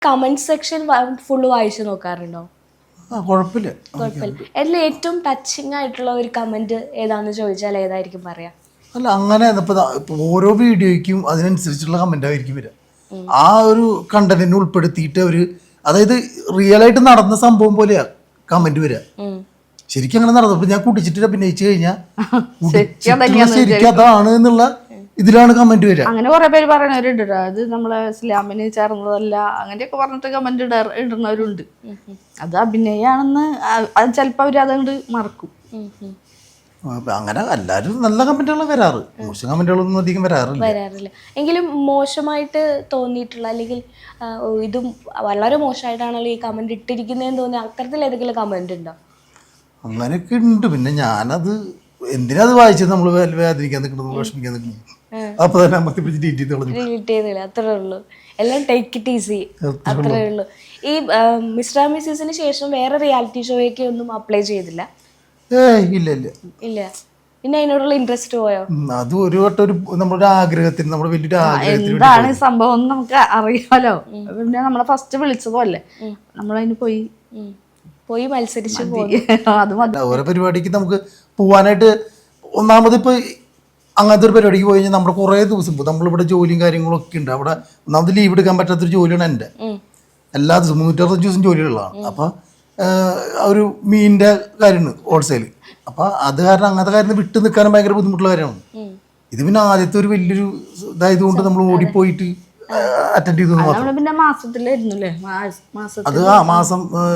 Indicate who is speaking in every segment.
Speaker 1: Comment section full വായിച്ചു നോക്കാറുണ്ടോ?
Speaker 2: കുഴപ്പമില്ല.
Speaker 1: അതിൽ ഏറ്റവും ടച്ചിങ് ആയിട്ടുള്ള ഒരു കമന്റ് ഏതാന്ന് ചോദിച്ചാൽ ഏതായിരിക്കും പറയാ?
Speaker 2: അല്ല, അങ്ങനെ ഇപ്പൊ ഓരോ വീഡിയോയ്ക്കും അതിനനുസരിച്ചുള്ള കമന്റ് ആയിരിക്കും വരിക. ആ ഒരു കണ്ടന്റിനെ ഉൾപ്പെടുത്തിയിട്ട് അവര്, അതായത് റിയൽ ആയിട്ട് നടന്ന സംഭവം പോലെയാ കമന്റ് വരിക. ശരിക്കും അങ്ങനെ നടന്നു. ഇപ്പൊ ഞാൻ കുടിച്ചിട്ട് അഭിനയിച്ചു കഴിഞ്ഞാൽ ശരിക്കും അതാണ് എന്നുള്ള ഇതിലാണ് കമന്റ് വരിക.
Speaker 3: അങ്ങനെ കുറെ പേര് പറയണവരുണ്ട്. അത് നമ്മളെ ഇസ്ലാമിന് ചേർന്നതല്ല അങ്ങനെയൊക്കെ പറഞ്ഞിട്ട് കമന്റ് ഇടുന്നവരുണ്ട്. അത് അഭിനയാണെന്ന് ചിലപ്പോ അവര് അതുകൊണ്ട് മറക്കും.
Speaker 2: അങ്ങനെ എല്ലാവരും നല്ല കമന്റുകൾ വരാറ്, മോശം കമന്റുകളൊന്നും അധികം വരാറില്ല.
Speaker 1: എങ്കിലും മോശമായിട്ട് തോന്നിയിട്ടുള്ള, അല്ലെങ്കിൽ ഇതും വളരെ മോശമായിട്ടാണല്ലോ ഈ കമന്റ് ഇട്ടിരിക്കുന്നതെന്ന് തോന്നിയ അത്തരത്തിൽ ഏതെങ്കിലും കമന്റ് ഉണ്ടോ?
Speaker 2: അങ്ങനെയൊക്കെ ഉണ്ട്. പിന്നെ ഞാനത് എന്തിനാ അത് വായിച്ചത്, നമ്മൾ വേദനിക്കാൻ നിൽക്കുന്നത്, വിഷമിക്കാൻ നിൽക്കുന്നത്, അപ്പൊ തന്നെ
Speaker 1: ഡിലീറ്റ് ചെയ്തില്ല. അത്രേ ഉള്ളൂ. എല്ലാം ടേക്ക് ഇറ്റ് ഈസി, അത്രേ ഉള്ളൂ. ഈ മിസ്റ്റർ മിസ്സസിന് ശേഷം വേറെ റിയാലിറ്റി ഷോയൊക്കെ ഒന്നും അപ്ലൈ ചെയ്തില്ല?
Speaker 2: ഇല്ല.
Speaker 1: പിന്നെ അതിനോടുള്ള ഇൻട്രസ്റ്റ് പോയോ?
Speaker 2: അത് ഒരു വട്ടം നമ്മുടെ ആഗ്രഹത്തിന്, നമ്മുടെ വലിയൊരു ആഗ്രഹത്തിന്
Speaker 3: എന്താണ് സംഭവം നമുക്ക് അറിയാലോ. പിന്നെ നമ്മളെ ഫസ്റ്റ് വിളിച്ചതല്ലേ, നമ്മളതിന് പോയി മത്സരിച്ച് അത്
Speaker 2: ഓരോ പരിപാടിക്ക് നമുക്ക് പോവാനായിട്ട്. ഒന്നാമത് ഇപ്പൊ അങ്ങനത്തെ ഒരു പരിപാടിക്ക് പോയി കഴിഞ്ഞാൽ നമ്മുടെ കുറേ ദിവസം പോകും. നമ്മളിവിടെ ജോലിയും കാര്യങ്ങളൊക്കെ ഉണ്ട്. അവിടെ ഒന്നാമത് ലീവ് എടുക്കാൻ പറ്റാത്തൊരു ജോലിയാണ് എൻ്റെ. എല്ലാ ദിവസവും 365 ദിവസം ജോലിയുള്ളതാണ്. അപ്പൊ ഒരു മീനിന്റെ കാര്യമാണ് ഹോൾസെയിൽ. അപ്പൊ അത് കാരണം അങ്ങനത്തെ കാര്യം വിട്ടു നിൽക്കാനും ഭയങ്കര ബുദ്ധിമുട്ടുള്ള കാര്യമാണ്. ഇത് പിന്നെ ആദ്യത്തെ ഒരു വലിയൊരു ഇതായതുകൊണ്ട് നമ്മൾ ഓടിപ്പോയിട്ട് അറ്റൻഡ് ചെയ്തു.
Speaker 3: പിന്നെ മാസത്തിലായിരുന്നല്ലേ,
Speaker 2: അത് മാസം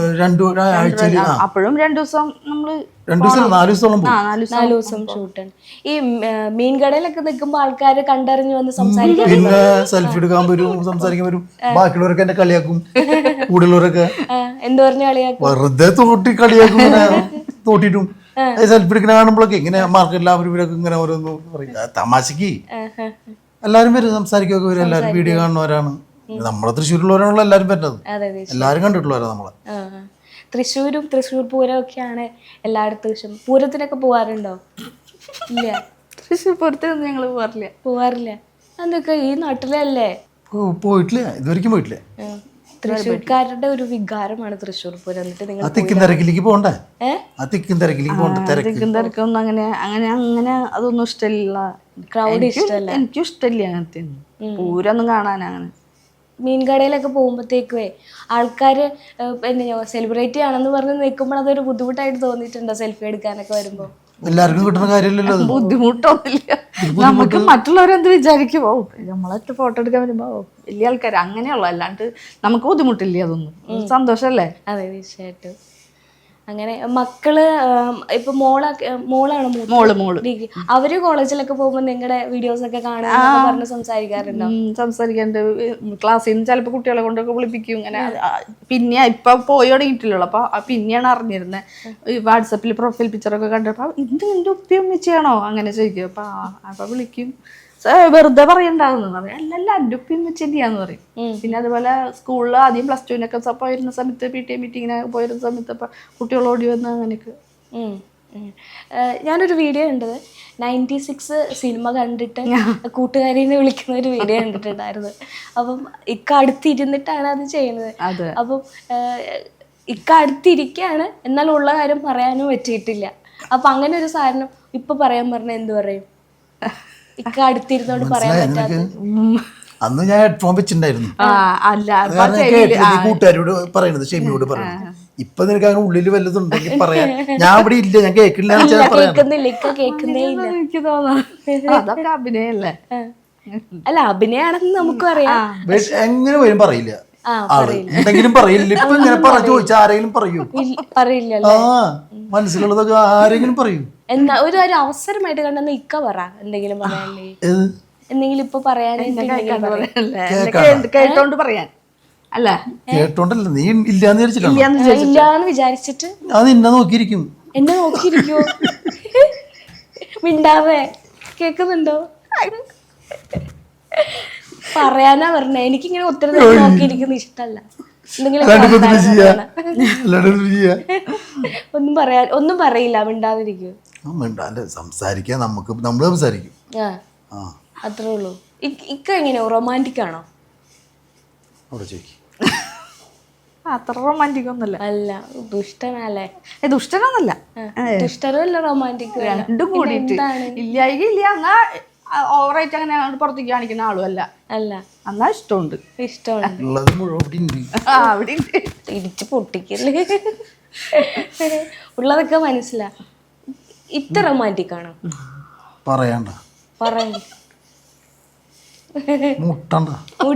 Speaker 2: 2 ആഴ്ചയിൽ
Speaker 3: അപ്പോഴും 2 ദിവസം നമ്മള്
Speaker 2: 2 ദിവസം 4 ദിവസത്തോളം
Speaker 1: 4 ദിവസം ഷൂട്ടാണ്. ഈ മീൻകടയിലൊക്കെ നിൽക്കുമ്പോ ആൾക്കാര് കണ്ടറിഞ്ഞു വന്ന് സംസാരിക്കാൻ,
Speaker 2: പിന്നെ സെൽഫി എടുക്കാൻ വരും, സംസാരിക്കാൻ വരും. ബാക്കിയുള്ളവരൊക്കെ എന്നെ കളിയാക്കും, കൂടുതലുള്ളവരൊക്കെ
Speaker 1: എന്ത് പറഞ്ഞു കളിയാക്കും,
Speaker 2: വെറുതെ തോട്ടി കളിയാക്കും. തോട്ടിട്ടും സെൽഫി എടുക്കുന്ന കാണുമ്പോഴൊക്കെ ഇങ്ങനെ മാർക്കറ്റിൽ അവരൊക്കെ ഇങ്ങനെ ഓരോന്ന് പറയും തമാശക്ക്. എല്ലാരും വരും, സംസാരിക്കുകയൊക്കെ വരും. എല്ലാരും വീഡിയോ കാണുന്നവരാണ്. നമ്മളെ തൃശ്ശൂരുള്ളവരാണല്ലോ എല്ലാരും പറ്റുന്നത്. എല്ലാരും കണ്ടിട്ടുള്ളവരാ നമ്മളെ.
Speaker 1: തൃശ്ശൂരും തൃശ്ശൂർ പൂരം ഒക്കെയാണ് എല്ലായിടത്തും. പൂരത്തിനൊക്കെ പോവാറുണ്ടോ? ഇല്ല,
Speaker 3: തൃശ്ശൂർ പൂരത്തിനൊന്നും ഞങ്ങള്
Speaker 1: പോവാറില്ല. അതൊക്കെ ഈ നാട്ടിലല്ലേ?
Speaker 2: പോയിട്ടില്ല, ഇതുവരെയ്ക്കും പോയിട്ടില്ല.
Speaker 1: തൃശ്ശൂർക്കാരുടെ ഒരു വികാരമാണ് തൃശ്ശൂർ പൂരം. എന്നിട്ട് നിങ്ങൾ
Speaker 2: തിക്കും തിരക്കിലേക്ക് പോകണ്ടേ? തിക്കും
Speaker 3: തിരക്കൊന്നും അങ്ങനെ അതൊന്നും ഇഷ്ടമില്ല.
Speaker 1: ക്രൗഡ് ഇഷ്ടമല്ല.
Speaker 3: എനിക്കും ഇഷ്ടമില്ല അങ്ങനത്തെ പൂരൊന്നും കാണാൻ. അങ്ങനെ
Speaker 1: മീൻകടയിലൊക്കെ പോകുമ്പോഴത്തേക്കുവേ ആൾക്കാര് സെലിബ്രേറ്റ് ആണെന്ന് പറഞ്ഞ് നിൽക്കുമ്പോൾ അതൊരു ബുദ്ധിമുട്ടായിട്ട് തോന്നിയിട്ടുണ്ടോ സെൽഫി എടുക്കാനൊക്കെ വരുമ്പോ?
Speaker 2: എല്ലാവർക്കും കിട്ടുന്ന കാര്യമല്ലല്ലോ.
Speaker 3: ബുദ്ധിമുട്ടൊന്നുമില്ല. നമുക്ക് മറ്റുള്ളവരെന്ത് വിചാരിക്കുമോ, നമ്മളൊക്കെ ഫോട്ടോ എടുക്കാൻ വരുമ്പോ വലിയ ആൾക്കാർ അങ്ങനെയുള്ളു. അല്ലാണ്ട് നമുക്ക് ബുദ്ധിമുട്ടില്ല. അതൊന്നും സന്തോഷല്ലേ?
Speaker 1: അതെ, തീർച്ചയായിട്ടും. അങ്ങനെ മക്കള് ഇപ്പൊ മോളാണ് ഡിഗ്രി. അവര് കോളേജിലൊക്കെ പോകുമ്പോ നിങ്ങളുടെ വീഡിയോസ് ഒക്കെ കാണാൻ പറഞ്ഞ് സംസാരിക്കാറുണ്ടോ?
Speaker 3: സംസാരിക്കാറുണ്ട്. ക്ലാസ്സിൽ നിന്ന് ചിലപ്പോ കുട്ടികളെ കൊണ്ടൊക്കെ വിളിപ്പിക്കും. ഇങ്ങനെ പിന്നെ ഇപ്പൊ പോയി തുടങ്ങിയിട്ടില്ലല്ലോ. അപ്പൊ പിന്നെയാണ് അറിഞ്ഞിരുന്നത്. വാട്സപ്പിൽ പ്രൊഫൈൽ പിക്ചറൊക്കെ കണ്ടപ്പോ ഇത് നിന്റെ ഉപ്പയും വെച്ചാണോ അങ്ങനെ ചോദിക്കും. അപ്പൊ വിളിക്കും. വെറുതെ പറയണ്ടാവുന്നു പറയും. അല്ലല്ല എൻ്റെ ഉപ്പയും വെച്ചെന്നെയാന്ന് പറയും. പിന്നെ അതുപോലെ സ്കൂളിൽ ആദ്യം +2 പോയിരുന്ന സമയത്ത് PTA മീറ്റിങ്ങിനൊക്കെ പോയിരുന്ന സമയത്ത് അപ്പൊ കുട്ടികൾ ഓടി വന്ന് അങ്ങനെയൊക്കെ.
Speaker 1: ഞാനൊരു വീഡിയോ കണ്ടത് 96 സിനിമ കണ്ടിട്ട് കൂട്ടുകാരിനെ വിളിക്കുന്ന ഒരു വീഡിയോ കണ്ടിട്ടുണ്ടായിരുന്നു. അപ്പം ഇക്ക അടുത്തിരുന്നിട്ടാണ് അത് ചെയ്യുന്നത്. അപ്പം ഇക്ക അടുത്തിരിക്കുകയാണ്, എന്നാൽ ഉള്ള കാര്യം പറയാനും പറ്റിയിട്ടില്ല. അപ്പൊ അങ്ങനെ ഒരു സാധനം ഇപ്പൊ പറയാൻ പറഞ്ഞാൽ എന്ത് പറയും? ഇക്ക അടുത്തിരുന്നോണ്ട് പറയാൻ പറ്റാത്ത.
Speaker 2: അന്ന് ഞാൻ ഹെഡ്ഫോൺ വെച്ചിട്ടുണ്ടായിരുന്നു. കൂട്ടുകാരോട് പറയണത്, ഷെമിയോട് പറയണത്. ഇപ്പൊ നിനക്ക് അങ്ങനെ ഉള്ളിൽ വല്ലതും ഉണ്ടെങ്കിൽ പറയാൻ. ഞാൻ ഇവിടെ ഇല്ല, ഞാൻ കേൾക്കില്ല.
Speaker 1: കേൾക്കുന്നില്ല, ഇക്ക കേൾക്കുന്നേ ഇല്ല.
Speaker 3: എനിക്ക് തോന്നുന്നു അതൊക്കെ അഭിനയല്ലേ?
Speaker 1: അല്ല, അഭിനയാണെന്ന് നമുക്കും അറിയാം.
Speaker 2: എങ്ങനെ വരും പറയില്ല. എന്തെങ്കിലും പറയില്ല. ഇപ്പൊ ഇങ്ങനെ ചോദിച്ചാൽ ആരെങ്കിലും പറയൂ?
Speaker 1: പറയില്ലല്ലോ.
Speaker 2: മനസ്സിലുള്ളതൊക്കെ ആരെങ്കിലും പറയൂ?
Speaker 1: എന്നാ ഒരു അവസരമായിട്ട് കണ്ടെന്ന് ഇക്ക പറ എന്തെങ്കിലും പറയാനേ. എന്തെങ്കിലും ഇപ്പൊ
Speaker 3: കേട്ടോണ്ട് പറയാൻ അല്ല,
Speaker 2: കേട്ടോണ്ടല്ല. നീ ഇല്ലാന്ന്
Speaker 1: ഇല്ലാന്ന് വിചാരിച്ചിട്ട്
Speaker 2: അത് നിന്നെ നോക്കിയിരിക്കും.
Speaker 1: എന്നെ നോക്കിയിരിക്കോ? മിണ്ടാവേ, കേക്കുന്നുണ്ടോ? പറയാനാ പറഞ്ഞ. എനിക്കിങ്ങനെ ഒത്തിരി നേരം നോക്കിയിരിക്കുന്ന ഇഷ്ടല്ല. ഒന്നും പറയില്ല, മിണ്ടാതിരിക്കും.
Speaker 2: സംസാരിക്കാൻ നമ്മള് സംസാരിക്കും.
Speaker 1: അത്രേ ഉള്ളൂ. ഇക്ക എങ്ങനെയോ റൊമാൻറ്റിക് ആണോ?
Speaker 2: അവിടെ ചോദിക്കും.
Speaker 3: അത്ര റൊമാൻറ്റിക് ഒന്നുമല്ല.
Speaker 1: അല്ല ദുഷ്ടനല്ലേ?
Speaker 3: ദുഷ്ടനൊന്നല്ല,
Speaker 1: ദുഷ്ടനല്ല റൊമാൻറ്റിക്,
Speaker 3: രണ്ടും കൂടിയിട്ട് ഇല്ല എന്നാ ഓവറായിട്ട് അങ്ങനെ പുറത്തേക്ക് കാണിക്കുന്ന ആളും അല്ല. എന്നാ ഇഷ്ടമുണ്ട്.
Speaker 2: ഉള്ളത് മുഴുവൻ ഇവിടെ ഉണ്ട്.
Speaker 3: അവിടെ
Speaker 1: ഇടിച്ച് പൊട്ടിക്കല്ലേ ഉള്ളതൊക്കെ മനസ്സിലാ. ഇത്ര റൊമാൻറ്റിക് ആണോ?
Speaker 2: പറയണ്ട,
Speaker 1: പറയണ്ട,
Speaker 2: മുട്ടണ്ട.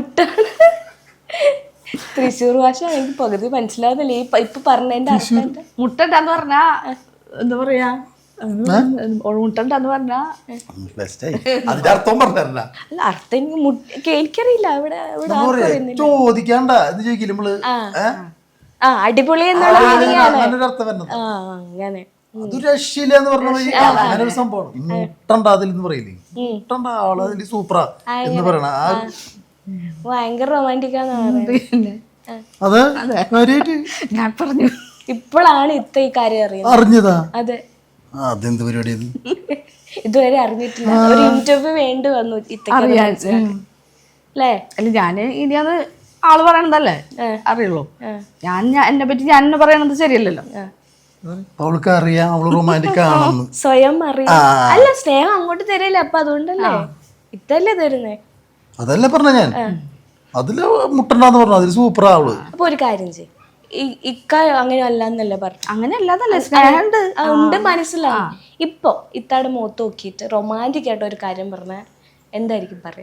Speaker 1: തൃശ്ശൂർ ഭാഷ എനിക്ക് പകുതി മനസ്സിലാവുന്നില്ല. ഇപ്പൊ പറഞ്ഞതിന്റെ അർത്ഥം എന്താ?
Speaker 3: മുട്ടണ്ടെന്ന് പറഞ്ഞാ എന്താ പറയാ, മുട്ടണ്ടെന്ന് പറഞ്ഞാ
Speaker 2: അതിന്റെ അർത്ഥം പറഞ്ഞ
Speaker 1: അല്ല, അർത്ഥം എനിക്കറിയില്ല. ഇവിടെ
Speaker 2: ചോദിക്കണ്ട എന്ന് ചോദിക്കില്ല നമ്മള്.
Speaker 1: അടിപൊളി എന്നുള്ള
Speaker 2: അർത്ഥം വരുന്നത്
Speaker 1: അങ്ങനെ.
Speaker 2: അത് രക്ഷയില്ല എന്ന് പറഞ്ഞ അങ്ങനെ ഒരു സംഭവം. മുട്ടണ്ട അതിൽ എന്ന് പറയില്ലേ, മുട്ടണ്ട ആള് അതിൽ സൂപ്പറാ എന്ന് പറയണ
Speaker 1: ഭയങ്കര റൊമാൻറ്റിക്കാന്ന് പറയുന്നത്.
Speaker 2: അത്
Speaker 3: ഞാൻ പറഞ്ഞു
Speaker 1: ഇപ്പോഴാണ് ഈ കാര്യം അറിയുന്നത്.
Speaker 2: അറിഞ്ഞതാ?
Speaker 1: അതെ.
Speaker 2: അതെന്ത് പരിപാടി?
Speaker 1: ഇതുവരെ അറിഞ്ഞിട്ടില്ല. ഒരു ഇന്റർവ്യൂ വേണ്ടി വന്നു അല്ലേ?
Speaker 3: അല്ല ഞാന് ഇനിയത് ആള് പറയണതല്ലേ അറിയുള്ളൂ. ഞാൻ എന്നെ പറ്റി ഞാൻ എന്നെ പറയണത് ശരിയല്ലല്ലോ.
Speaker 2: അവൾക്ക് അറിയാം അവള് റൊമാൻറ്റിക് ആണെന്ന്
Speaker 1: സ്വയം അറിയാം. അല്ല, സ്നേഹം അങ്ങോട്ട് തരല്ലേ, അപ്പൊ അതുകൊണ്ടല്ലേ ഇതല്ലേ തരുന്നേ.
Speaker 2: അതല്ലേ പറഞ്ഞ ഞാൻ. അതില് മുട്ടണ്ടെന്ന് പറഞ്ഞു, അതില് സൂപ്പറാ അവള്.
Speaker 1: അപ്പൊ ഒരു കാര്യം ചെയ്യും, ഇക്ക അങ്ങനെ അല്ലാന്നല്ലേ പറഞ്ഞു.
Speaker 3: അങ്ങനെ അല്ലാന്നല്ലേ, സ്നേഹമുണ്ട്
Speaker 1: ഉണ്ട്, മനസ്സിലാവും. ഇപ്പൊ ഇത്താടെ മുഖത്ത് നോക്കിയിട്ട് റൊമാൻറ്റിക് ആയിട്ട് ഒരു കാര്യം പറഞ്ഞ എന്തായിരിക്കും പറയാ?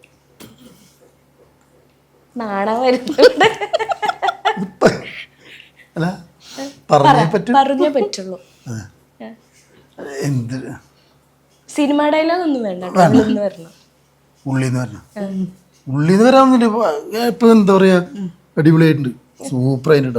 Speaker 1: നാണം വരുന്നുണ്ട്. പറഞ്ഞേ പറ്റുള്ളൂ. സിനിമ ഡയലോഗ് ഒന്നും വേണ്ട, ഉള്ളിന്ന് വരണം.
Speaker 2: ഉള്ളിന്ന് വരാന്നില്ല. ഇപ്പൊ എന്താ പറയാ, അടിപൊളിയായിട്ടുണ്ട്, സൂപ്പർ ആയിട്ടാ.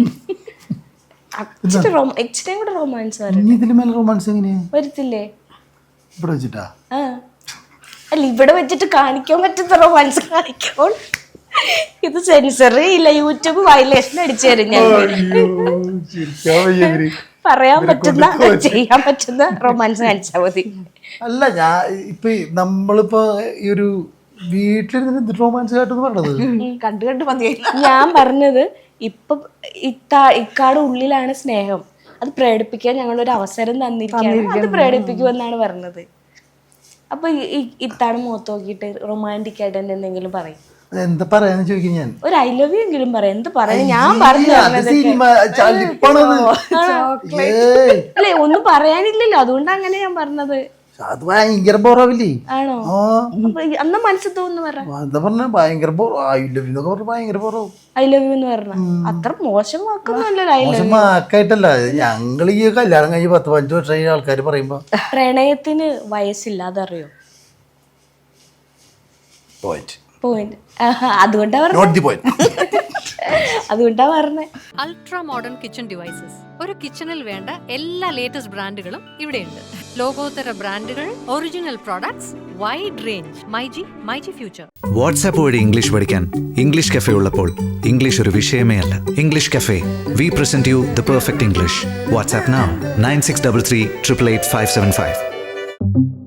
Speaker 1: റൊമാൻസ്
Speaker 2: ഇതിന് മേലെ റൊമാൻസ് എങ്ങനെയാ
Speaker 1: വരത്തില്ലേ?
Speaker 2: ഇവിടെ വെച്ചിട്ടാ?
Speaker 1: അല്ല, ഇവിടെ വെച്ചിട്ട് കാണിക്കാൻ പറ്റുന്ന റൊമാൻസ് കാണിക്കോൾ. ഇത് സെൻസർ ഇല്ല, യൂട്യൂബ് വയലേഷൻ അടിച്ചു തരും. പറയാൻ പറ്റുന്ന ചെയ്യാൻ പറ്റുന്ന റൊമാൻസ് കാണിച്ചാൽ മതി.
Speaker 2: അല്ല, ഞാൻ ഇപ്പൊ നമ്മളിപ്പോ ഈ ഒരു വീട്ടിലിരുന്ന് റൊമാൻസ് കാട്ടെന്ന് പറഞ്ഞത്
Speaker 3: കണ്ടു മതി.
Speaker 1: ഞാൻ പറഞ്ഞത് ഇപ്പൊ ഇക്കാട് ഉള്ളിലാണ് സ്നേഹം, അത് പ്രകടിപ്പിക്കാൻ ഞങ്ങളൊരു അവസരം തന്നിരിക്കുകയാണ്, അത് പ്രകടിപ്പിക്കുമെന്നാണ് പറഞ്ഞത്. അപ്പൊ ഇത്താട് മുഖത്ത് നോക്കിയിട്ട് റൊമാൻറ്റിക് ആയിട്ട് എന്തെങ്കിലും പറയും.
Speaker 2: എന്താ പറയാന്ന് ചോദിക്കും ഞാൻ.
Speaker 1: ഒരു ഐ ലവ് യു എങ്കിലും പറയാം. എന്ത് പറയാ? ഞാൻ പറഞ്ഞു അല്ലേ, ഒന്നും പറയാനില്ലല്ലോ, അതുകൊണ്ട് അങ്ങനെ ഞാൻ പറഞ്ഞത്.
Speaker 2: അത് ഭയങ്കര ബോറാവില്ലേ?
Speaker 1: ആണോ? അന്ന് മനസ്സിൽ തോന്നുന്നു
Speaker 2: പറഞ്ഞ ഭയങ്കര ബോർ. ഐ ലവ് യു എന്നൊക്കെ പറഞ്ഞ ഭയങ്കര ബോറാവും.
Speaker 1: ഐ ലവ് യു എന്ന് പറഞ്ഞ അത്ര മോശം വാക്കൊന്നുമല്ലല്ലോ.
Speaker 2: മോശം വാക്കായിട്ടല്ല, ഞങ്ങൾ ഈ കല്യാണം കഴിഞ്ഞ് 10-15 വർഷം ആൾക്കാർ പറയുമ്പോ
Speaker 1: പ്രണയത്തിന് വയസ്സില്ല, അതറിയോ? പോയിന്റ്. അതുകൊണ്ടാ പറഞ്ഞേ.
Speaker 4: Ultra modern kitchen devices. ഒരു കിച്ചണിൽ വേണ്ട എല്ലാ ലേറ്റസ്റ്റ് ബ്രാൻഡുകളും ഇവിടെയുണ്ട്. ലോകോത്തര ബ്രാൻഡുകൾ, original products, wide range. MyG future.
Speaker 5: WhatsApp വഴി ഇംഗ്ലീഷ് പഠിക്കാൻ ഇംഗ്ലീഷ് കഫേ ഉള്ളപ്പോൾ ഇംഗ്ലീഷ് ഒരു വിഷയമേ അല്ല. English cafe, we present you the perfect English. WhatsApp now 9633 888 575.